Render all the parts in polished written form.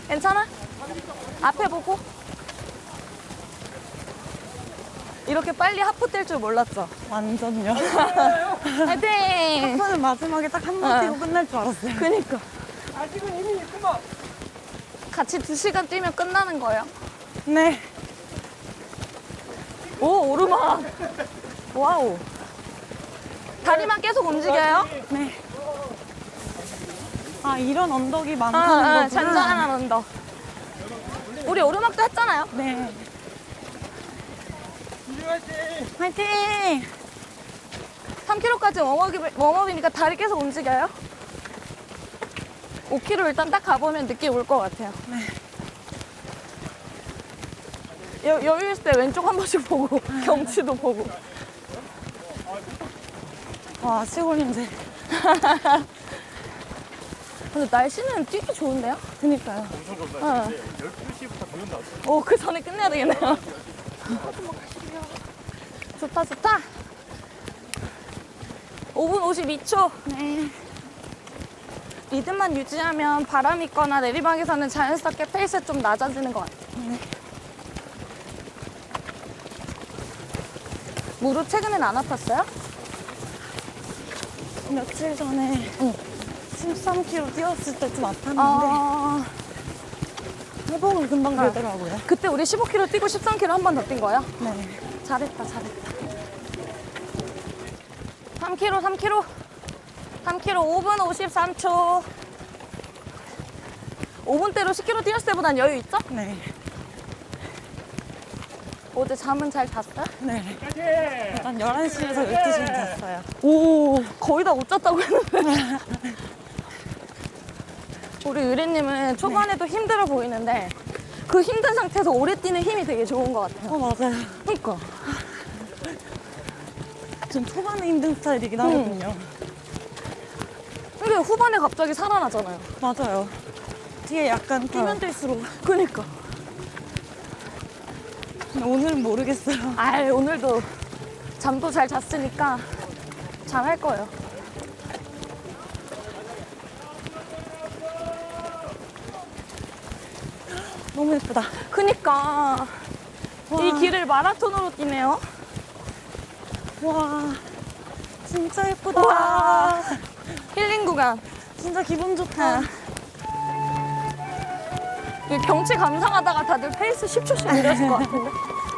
괜찮아? 앞에 보고. 이렇게 빨리 하프 뛸 줄 몰랐죠? 완전요. 화이팅! 하프는 마지막에 딱 한 번 뛰고 끝날 줄 알았어요. 그니까. 아직은 이미 있구만. 같이 2시간 뛰면 끝나는 거예요. 네. 오, 오르막. 와우. 다리만 계속 움직여요? 네. 아, 이런 언덕이 많다는 거구나. 잔잔한 언덕. 우리 오르막도 했잖아요. 네. 화이팅! 화이팅! 3km까지 웜업이니까 다리 계속 움직여요. 5km 일단 딱 가보면 느낌 올 것 같아요. 네. 여유 있을 때 왼쪽 한 번씩 보고 경치도 보고. 와, 시골 냄새. 근데 날씨는 뛰기 좋은데요? 그니까요. 엄청 좋다. 어. 12시부터 달린다. 오, 그 전에 끝내야 되겠네요. 좋다, 좋다. 5분 52초. 네. 리듬만 유지하면 바람 있거나 내리막에서는 자연스럽게 페이스 좀 낮아지는 것 같아요. 네. 무릎 최근엔 안 아팠어요? 며칠 전에 13km 뛰었을 때 좀 아팠는데 아, 회복은 금방 되더라고요. 그때 우리 15km 뛰고 13km 한 번 더 뛴 거예요? 네. 잘했다, 잘했다. 3km, 3km. 3km 5분 53초. 5분대로 10km 뛰었을 때보단 여유 있죠? 네. 어제 잠은 잘 잤어요? 네. 화이팅! 한 11시에서 12시는 잤어요. 오, 거의 다 못 잤다고 했는데. 우리 의뢰님은 초반에도 힘들어 보이는데 그 힘든 상태에서 오래 뛰는 힘이 되게 좋은 것 같아요. 맞아요. 그러니까. 전 초반에 힘든 스타일이긴 하거든요. 근데 후반에 갑자기 살아나잖아요. 맞아요. 뒤에 약간 뛰면 뛸수록. 그니까. 근데 오늘은 모르겠어요. 아, 오늘도 잠도 잘 잤으니까 잘할 거예요. 너무 예쁘다. 그니까. 와. 이 길을 마라톤으로 뛰네요. 와, 진짜 예쁘다. 와. 힐링 구간. 진짜 기분 좋다. 이 경치 감상하다가 다들 페이스 10초씩 느려질 것 같은데.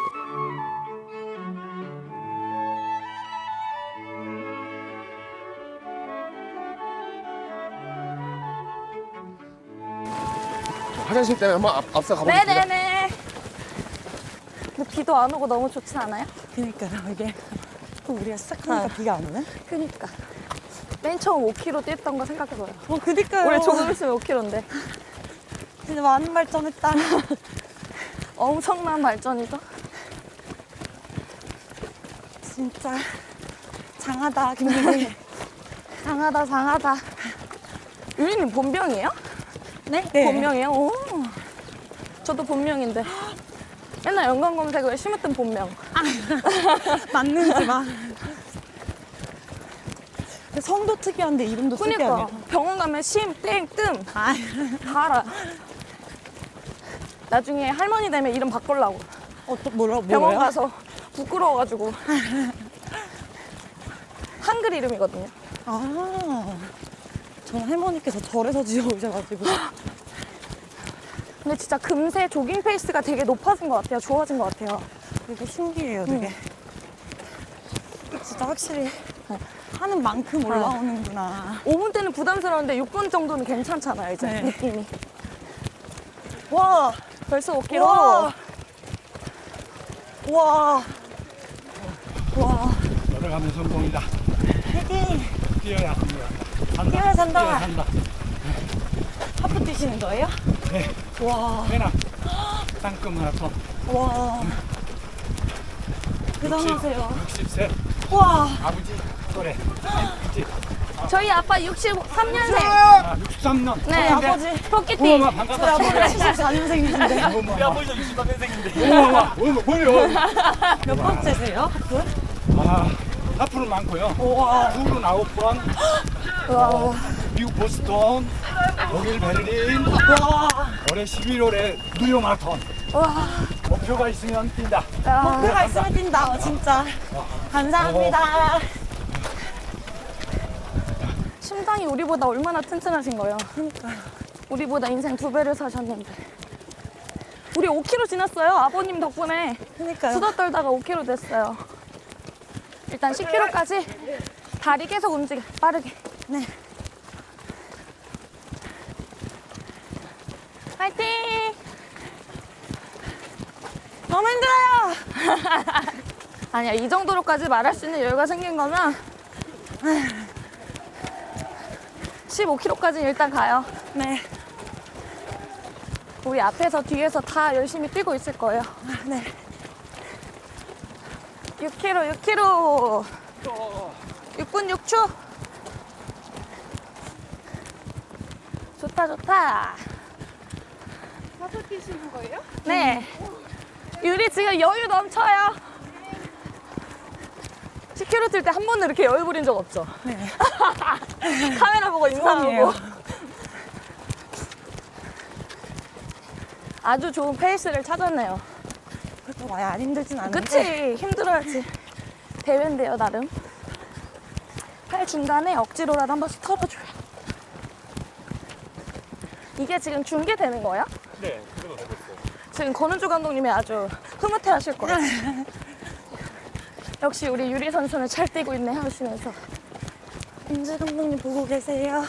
화장실 때문에 한번 앞서 가보겠습니다. 네네네. 근데 비도 안 오고 너무 좋지 않아요? 그니까요, 이게. 또 우리가 시작하니까 비가 안 오네? 그니까. 맨 처음 5km 뛰었던 거 생각해봐요. 그니까요. 우리 조금 있으면 5km인데. 진짜 많은 발전했다. 엄청난 발전이죠? 진짜 장하다, 김민희. 장하다, 장하다. 유리님 본명이에요? 네? 본명이에요? 오. 저도 본명인데. 옛날 연관 검색어에 심었던 본명. 맞는지 막. 근데 성도 특이한데 이름도 그니까 특이하네요. 병원 가면 심, 땡, 뜸. 아, 다 알아. 나중에 할머니 되면 이름 바꾸려고. 또 뭐라고? 병원 가서 부끄러워가지고. 한글 이름이거든요. 아, 저는 할머니께서 절에서 지어오셔가지고. 근데 진짜 금세 조깅 페이스가 되게 높아진 것 같아요. 좋아진 것 같아요. 되게 신기해요, 되게. 진짜 확실히 하는 만큼 올라오는구나. 5분 때는 부담스러운데 6분 정도는 괜찮잖아요, 이제 네. 느낌이. 와, 벌써 5km. 와, 와, 와. 걸어가면 성공이다. 화이팅! 뛰어야 합니다. 산다. 뛰어야 산다. 뛰어야 산다. 하프 뛰시는 거예요? 네. 와, 해나. 땅끝 마라톤. 와. 대단하세요. 60세 와, 아버지 또래. 그치? 저희 아빠 63년생. 아, 63년. 네, 아버지. 토끼띠. 우와, 반갑다. 아버지 74년생이신데. 우리 아버지도 63년생인데. 우와, 뭐요? 몇 번째세요? 하프? 아, 하프는 많고요. 우와. 둘은 9번. 와, 미국 보스턴, 독일 베를린, 올해 11월에 뉴욕 마라톤. 목표가 있으면 뛴다. 목표가 있으면 뛴다. 진짜. 감사합니다. 심장이 우리보다 얼마나 튼튼하신 거예요. 그러니까. 우리보다 인생 2배를 사셨는데. 우리 5km 지났어요. 아버님 덕분에. 그러니까요. 수다 떨다가 5km 됐어요. 일단 10km까지 다리 계속 움직여. 빠르게. 네. 파이팅! 너무 힘들어요. 아니야, 이 정도로까지 말할 수 있는 여유가 생긴 거면 15km까지 일단 가요. 네. 우리 앞에서 뒤에서 다 열심히 뛰고 있을 거예요. 네. 6km, 6km. 6분 6초. 좋다, 좋다. 다섯 뛰시는 거예요? 네. 유리 지금 여유 넘쳐요. 10km 뛸 때 한 번도 이렇게 여유 부린 적 없죠? 네. 카메라 보고 처음이에요. 인사하고. 아주 좋은 페이스를 찾았네요. 그렇다고 아예 안 힘들진 않은데. 그치? 힘들어야지. 대회인데요, 나름. 팔 중간에 억지로라도 한 번씩 털어줘요. 이게 지금 중계되는 거야? 네, 그래도 되고 있어요. 지금 권은주 감독님이 아주 흐뭇해 하실 거예요. 역시 우리 유리 선수는 잘 뛰고 있네 하시면서. 은주 감독님 보고 계세요.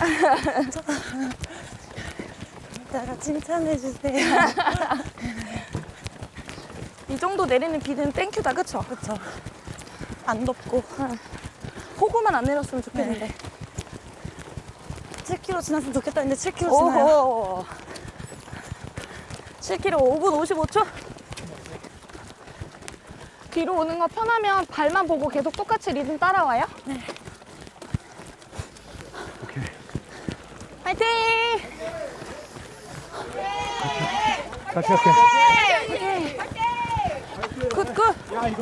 이따가 칭찬해주세요. 이 정도 내리는 비는 땡큐다, 그쵸? 그쵸. 안 덥고. 폭우만 안 내렸으면 좋겠는데. 7km 지났으면 좋겠다. 근데 7km 지나요. 오호. 7km 5분 55초? 뒤로 오는 거 편하면 발만 보고 계속 똑같이 리듬 따라와요? 네. 오케이. 파이팅! 같이 갈게. 굿, 굿! 야, 이거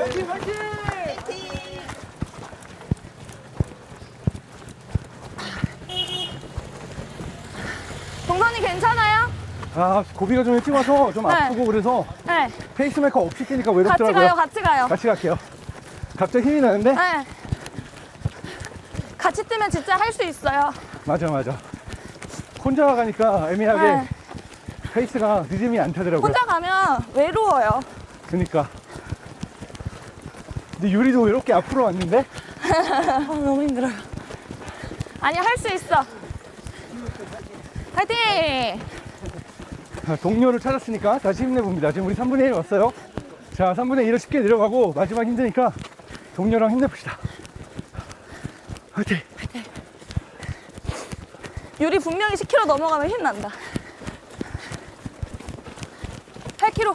동선이 괜찮아요? 아, 고비가 좀 일찍 와서 좀 네. 아프고 그래서 네. 페이스메이커 없이 뛰니까 같이 외롭더라고요. 가요, 같이 가요. 같이 갈게요. 갑자기 힘이 나는데? 네. 같이 뛰면 진짜 할 수 있어요. 맞아, 맞아. 혼자 가니까 애매하게 네. 페이스가 리듬이 안 타더라고요. 혼자 가면 외로워요. 그니까. 근데 유리도 이렇게 앞으로 왔는데? 너무 힘들어요. 아니, 할 수 있어. 파이팅! 자, 동료를 찾았으니까 다시 힘내봅니다. 지금 우리 3분의 1 왔어요. 자, 3분의 1을 쉽게 내려가고 마지막 힘드니까 동료랑 힘내봅시다. 화이팅! 유리 분명히 10km 넘어가면 힘난다. 8km.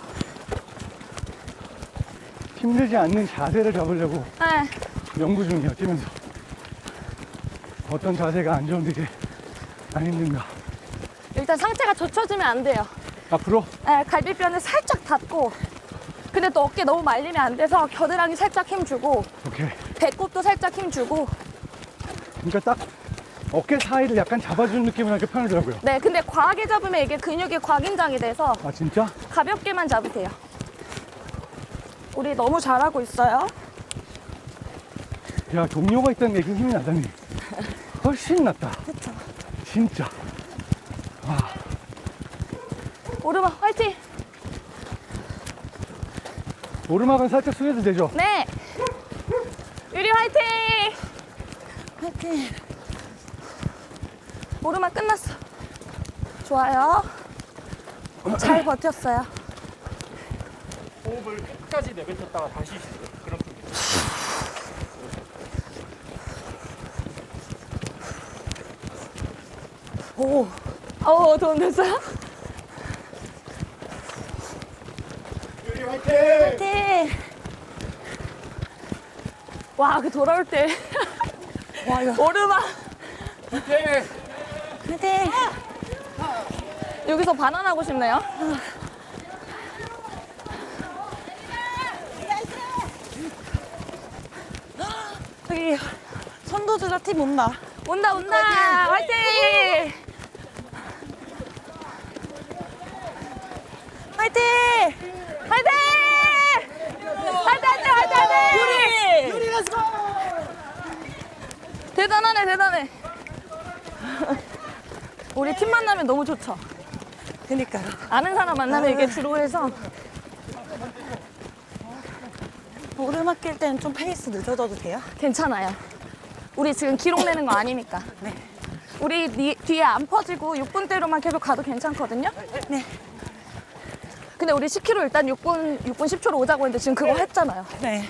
힘들지 않는 자세를 잡으려고 네. 연구 중이에요, 뛰면서. 어떤 자세가 안 좋은데 이게 안 힘든가. 일단 상체가 젖혀지면 안 돼요. 앞으로? 네, 갈비뼈는 살짝 닫고, 근데 또 어깨 너무 말리면 안 돼서 겨드랑이 살짝 힘주고, 오케이. 배꼽도 살짝 힘주고. 그러니까 딱 어깨 사이를 약간 잡아주는 느낌으로 이렇게 편하더라고요. 네, 근데 과하게 잡으면 이게 근육이 과긴장이 돼서 아, 진짜? 가볍게만 잡으세요. 우리 너무 잘하고 있어요. 야, 동료가 있다는 게 힘이 나다니. 훨씬 낫다. 그쵸. 진짜. 오르막 화이팅! 오르막은 살짝 숙여도 되죠? 네! 유리 화이팅! 화이팅. 오르막 끝났어. 좋아요. 잘 버텼어요. 호흡을 끝까지 내뱉었다가 다시 쉬세요. 그럼 좀 오. 도움 됐어요? 유리 화이팅! 화이팅! 와, 그 돌아올 때. 와, 이거. 오르막. 화이팅. 여기서 반환하고 싶네요. 여기 선도주자 팀 온다. 온다, 온다. 화이팅! 화이팅! 화이팅! 화이팅, 화이팅, 화이팅, 화이팅! 유리 렛츠고! 대단하네, 대단해. 우리 팀 만나면 너무 좋죠. 그니까요. 아는 사람 만나면 이게 주로 해서. 오르막길 때는 좀 페이스 늦어져도 돼요? 괜찮아요. 우리 지금 기록 내는 거 아니니까. 네. 우리 뒤에 안 퍼지고 6분대로만 계속 가도 괜찮거든요? 네. 근데 우리 10km 일단 6분 10초로 오자고 했는데 지금 그거 했잖아요. 네.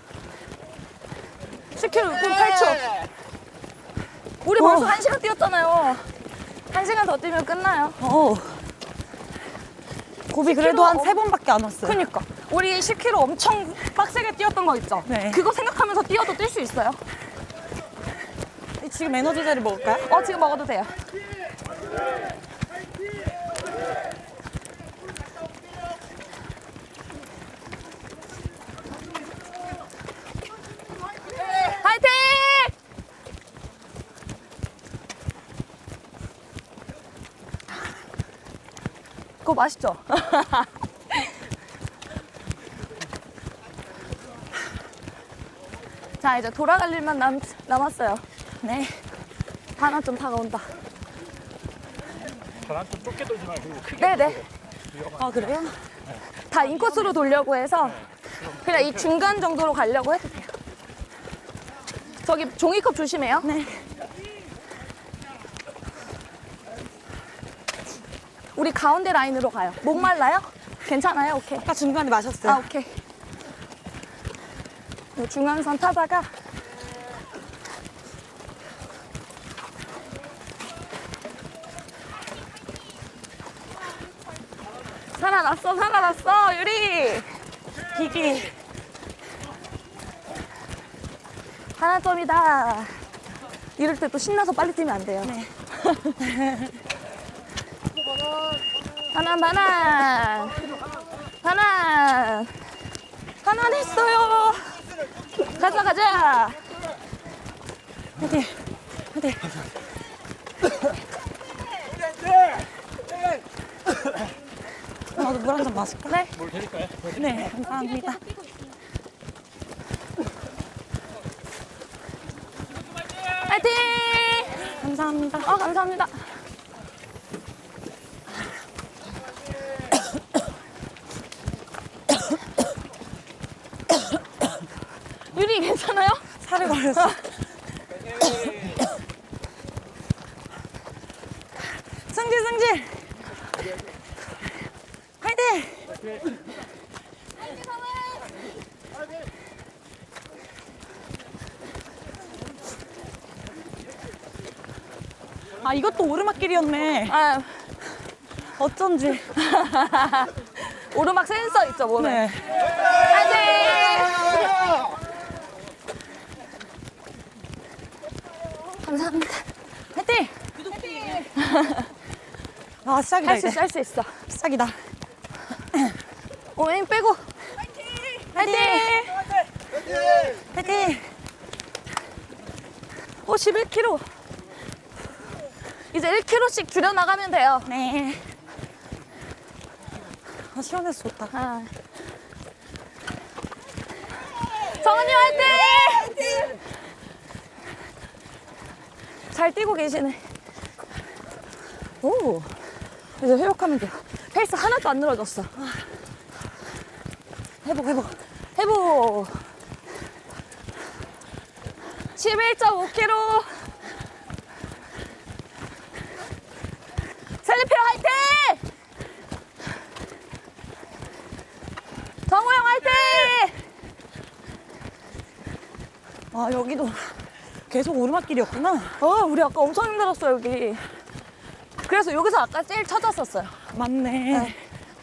10km 6분 8초. 우리 벌써 1시간 뛰었잖아요. 1시간 더 뛰면 끝나요. 고비 그래도 한 3번밖에 안 왔어요. 그니까. 우리 10km 엄청 빡세게 뛰었던 거 있죠? 네. 그거 생각하면서 뛰어도 뛸 수 있어요. 지금 에너지젤을 먹을까요? 지금 먹어도 돼요. 화이팅! 그거 맛있죠? 자, 이제 돌아갈 일만 남았어요. 네. 하나 좀 다가온다. 바람 좀 좁게 돌지 말고 크게. 네네. 아, 그래요? 다 인코스로 돌려고 해서 그냥 이 중간 정도로 가려고 해도 돼요. 저기 종이컵 조심해요. 네. 우리 가운데 라인으로 가요. 목 말라요? 괜찮아요? 오케이. 아까 중간에 마셨어요. 오케이. 이 중앙선 타다가 살아났어, 유리. 비기. 하나점이다. 이럴 때 또 신나서 빨리 뛰면 안 돼요. 네. 하나 했어요. 가자. 화이팅! 화이팅! 나도 물 한 잔 마실까? 네. 뭘 드릴까요? 네, 감사합니다. 화이팅! 감사합니다. 감사합니다. 유리 괜찮아요? 살을 걸렸어. 승질! 화이팅! 아, 이것도 오르막길이었네. 아, 어쩐지. 오르막 센서 있죠, 몸에. 네. 화이팅! 감사합니다. 화이팅! 아, 시작이다, 이제. 할 수 있어. 시작이다. 오행 빼고. 화이팅! 화이팅! 11km. 이제 1km씩 줄여나가면 돼요. 네. 아, 시원해서 좋다. 정은이 화이팅! 잘 뛰고 계시네. 오, 이제 회복하면 돼요. 페이스 하나도 안 늘어졌어. 회복. 11.5km. 셀리페어 화이팅! 정우영 화이팅! 아, 여기도 계속 오르막길이었구나. 우리 아까 엄청 힘들었어, 여기. 그래서 여기서 아까 제일 찾았었어요. 맞네.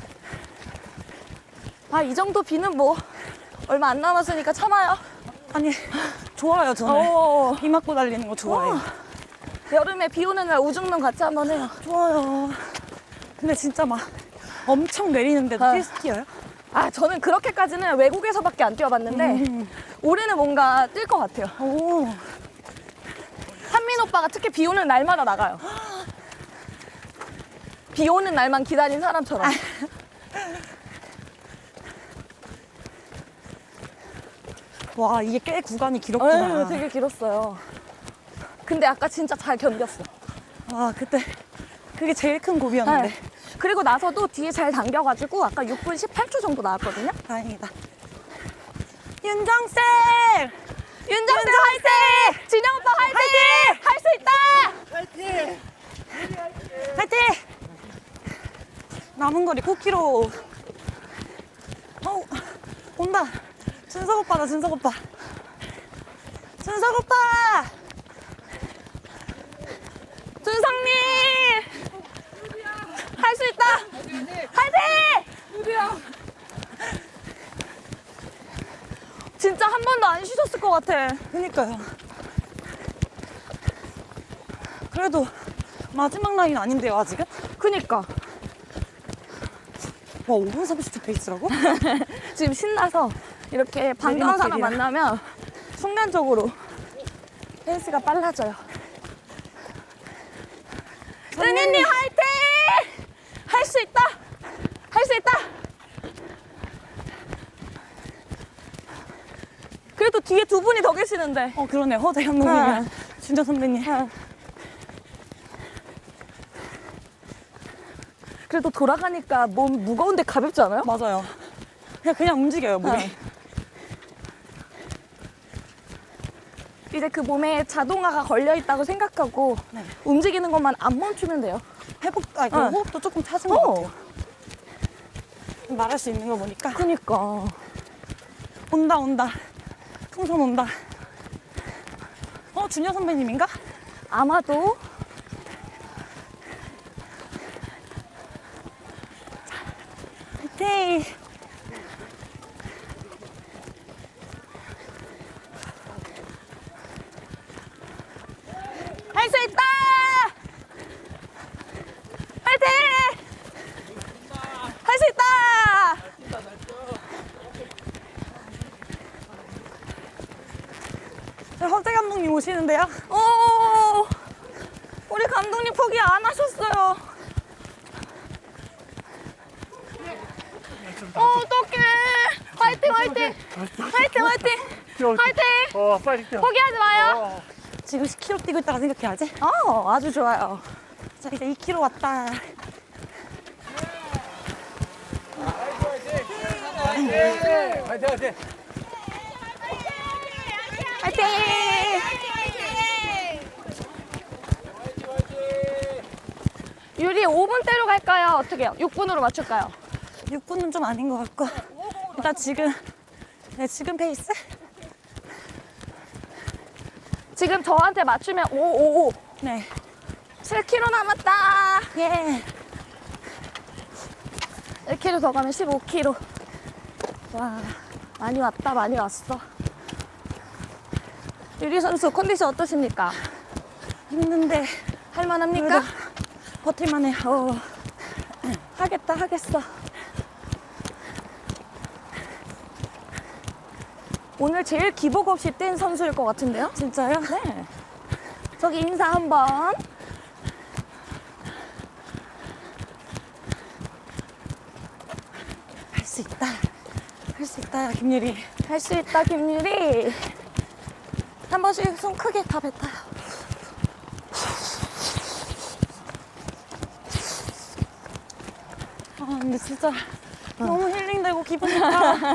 이 정도 비는 뭐 얼마 안 남았으니까 참아요. 아니, 좋아요, 저는. 비 맞고 달리는 거 좋아해요. 여름에 비 오는 날 우중릉 같이 한번 해요. 좋아요. 근데 진짜 막 엄청 내리는데도 필스티어요? 저는 그렇게까지는 외국에서밖에 안 뛰어봤는데 올해는 뭔가 뛸 것 같아요. 오. 한민호 오빠가 특히 비 오는 날마다 나가요. 비 오는 날만 기다린 사람처럼. 와, 이게 꽤 구간이 길었구나. 에휴, 되게 길었어요. 근데 아까 진짜 잘 견뎠어. 와, 그때 그게 제일 큰 고비였는데. 네. 그리고 나서도 뒤에 잘 당겨가지고 아까 6분 18초 정도 나왔거든요. 다행이다. 윤정쌤! 윤정쌤 화이팅! 진영 오빠 화이팅! 할 수 있다! 화이팅! 남은 거리 9km. 온다. 준석 오빠다, 준석 오빠. 준석 오빠! 준성님! 할 수 있다! 화이팅! 진짜 한 번도 안 쉬셨을 것 같아. 그니까요. 그래도 마지막 라인 아닌데요, 아직은? 그니까. 와, 5분 30초 페이스라고? 지금 신나서 이렇게 반가운 사람 내리막길이라. 만나면 순간적으로 페이스가 빨라져요. 은희님 화이팅! 할 수 있다! 할 수 있다! 그래도 뒤에 두 분이 더 계시는데. 그러네. 허재 감독님이랑 준정 선배님. 그래도 돌아가니까 몸 무거운데 가볍지 않아요? 맞아요. 그냥 움직여요, 몸이. 네. 이제 그 몸에 자동화가 걸려 있다고 생각하고 네. 움직이는 것만 안 멈추면 돼요. 호흡도 조금 찾은 것 같아요. 말할 수 있는 거 보니까. 그니까. 온다. 풍선 온다. 준영 선배님인가? 아마도. 화이팅! 할 수 있다! 화이팅! 할 수 있다! 허재 감독님 오시는데요? 우리 감독님 포기 안 하셨어요. 어떡해. 화이팅! 화이팅! 빨리 뛰어. 포기하지 마요. 지금 10km 뛰고 있다가 생각해야지. 아주 좋아요. 자, 이제 2km 왔다. 화이팅! 화이팅! 유리 5분대로 갈까요? 어떻게 해요? 6분으로 맞출까요? 6분은 좀 아닌 것 같고. 일단 지금 페이스? 지금 저한테 맞추면 555. 네. 7km 남았다. 예. 1km 더 가면 15km. 와, 많이 왔다, 많이 왔어. 유리 선수 컨디션 어떠십니까? 힘든데 할만합니까? 버틸만해요. 하겠어. 오늘 제일 기복 없이 뛴 선수일 것 같은데요? 진짜요? 네. 저기 인사 한번. 할 수 있다. 할 수 있다, 김유리. 할 수 있다, 김유리. 한 번씩 숨 크게 다 뱉어요. 근데 진짜 너무 힐링되고 기분 좋다.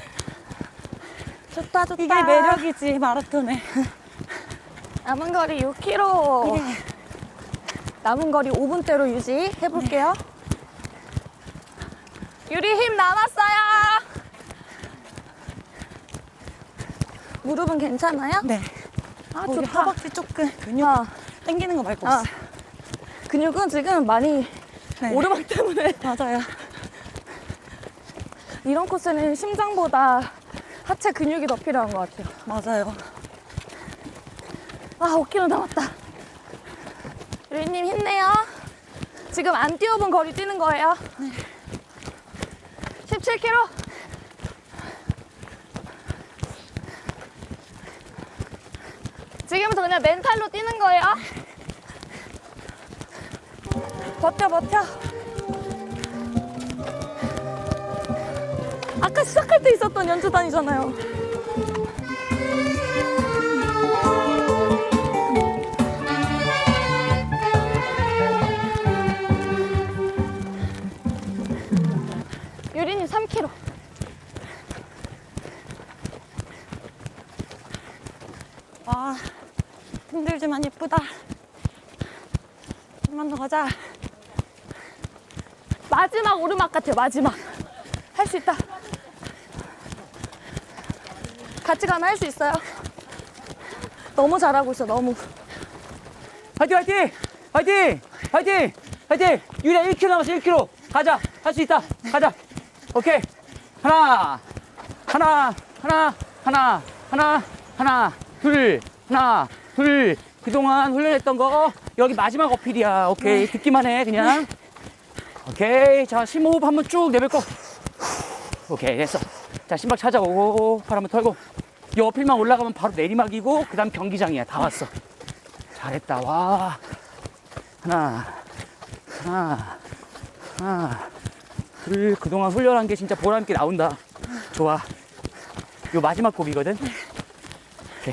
좋다. 이게 매력이지, 마라톤에. 남은 거리 6km. 남은 거리 5분대로 유지해볼게요. 유리 힘 남았어요. 무릎은 괜찮아요? 네. 좋다. 허벅지 조금 근육 당기는 거 말고 없어. 근육은 지금 많이 네. 오르막 때문에. 맞아요. 이런 코스는 심장보다 하체 근육이 더 필요한 것 같아요. 맞아요. 5km 남았다. 유리님 힘내요. 지금 안 뛰어본 거리 뛰는 거예요. 네. 17km. 지금부터 그냥 멘탈로 뛰는 거예요. 버텨, 버텨. 아까 시작할 때 있었던 연주단이잖아요. 유리님 3km. 와, 힘들지만 예쁘다. 좀만 더 가자. 마지막 오르막 같아요, 마지막. 할 수 있다. 같이 가면 할 수 있어요. 너무 잘하고 있어, 너무. 화이팅 화이팅! 화이팅! 화이팅! 화이팅! 유리야 1km 남았어 1km 가자 할 수 있다 가자 오케이 하나 둘 그동안 훈련했던 거 여기 마지막 어필이야 오케이 듣기만 해 그냥 오케이 자 심호흡 한번 쭉 내뱉고 오케이 됐어 자 심박 찾아오고 팔 한번 털고 이 어필만 올라가면 바로 내리막이고 그 다음 경기장이야 다 왔어 잘했다 와 하나 둘 그동안 훈련한 게 진짜 보람있게 나온다 좋아 요 마지막 곡이거든 오케이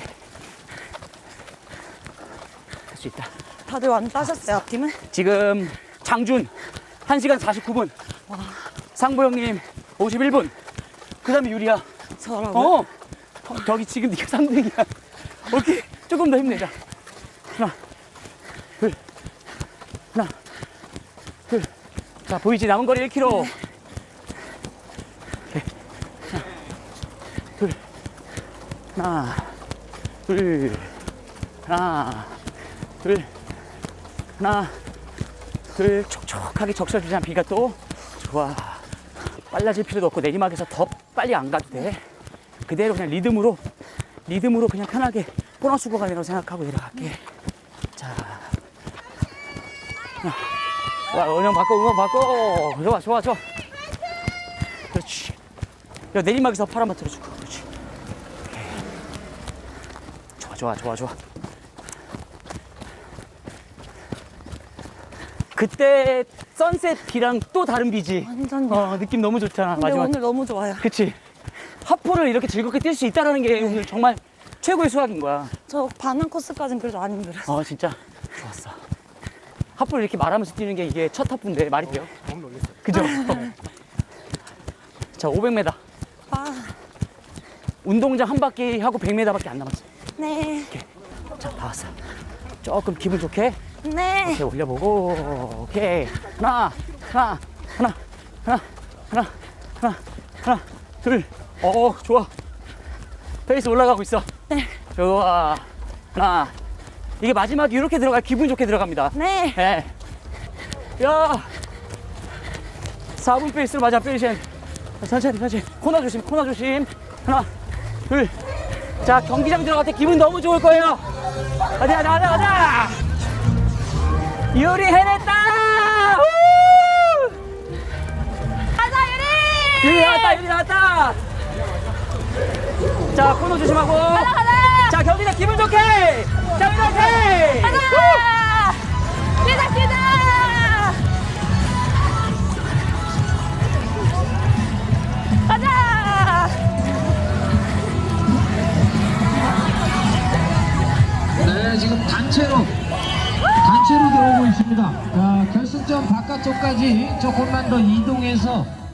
할 수 있다 다들 완 따셨어요, 앞팀은? 지금 장준 1시간 49분 상보 형님 51분 그 다음에 유리야 저라고요? 저기 지금 네가 3등이야 오케이 조금 더 힘내자 하나 둘 자 보이지 남은 거리 1km 오케이. 하나 둘 촉촉하게 적셔주자 비가 또 좋아 빨라질 필요도 없고 내리막에서 더 빨리 안 가도 돼 그대로 그냥 리듬으로 그냥 편하게 보너스 구간이라고 생각하고 내려갈게 자 응원 받고 좋아 그렇지 야 내리막에서 팔 한번 들어주고 그렇지 오케이. 좋아 그때 선셋 비랑 또 다른 비지 완전요. 느낌 너무 좋잖아 근데 마지막 오늘 너무 좋아요. 그치 하포를 이렇게 즐겁게 뛸 수 있다는 게 오늘 정말 최고의 수학인 거야 저 반응 코스까지는 그래도 안 힘들었어요. 진짜 좋았어 하프를 이렇게 말하면서 뛰는 게 이게 첫 하프인데 말이 돼요? 너무 놀랐어요. 그죠? 자 500m 운동장 한 바퀴 하고 100m밖에 안 남았어 네. 자 다 왔어 조금 기분 좋게 네. 이렇게 올려보고 오케이 하나 둘 좋아 페이스 올라가고 있어 네. 좋아 하나 이게 마지막에 이렇게 들어가 기분 좋게 들어갑니다 네. 네. 야 4분 페이스로 마지막 페이션 천천히 코너 조심 하나 둘자 경기장 들어갈 때 기분 너무 좋을 거예요 가자 유리 해냈다 가자, 유리! 유리 나왔다 자 코너 조심하고 가자! 자 경기장 기분 좋게 자 유리 화이팅 가자! 뛰자! 가자! 네, 지금 단체로 들어오고 있습니다. 자, 결승점 바깥쪽까지 조금만 더 이동해서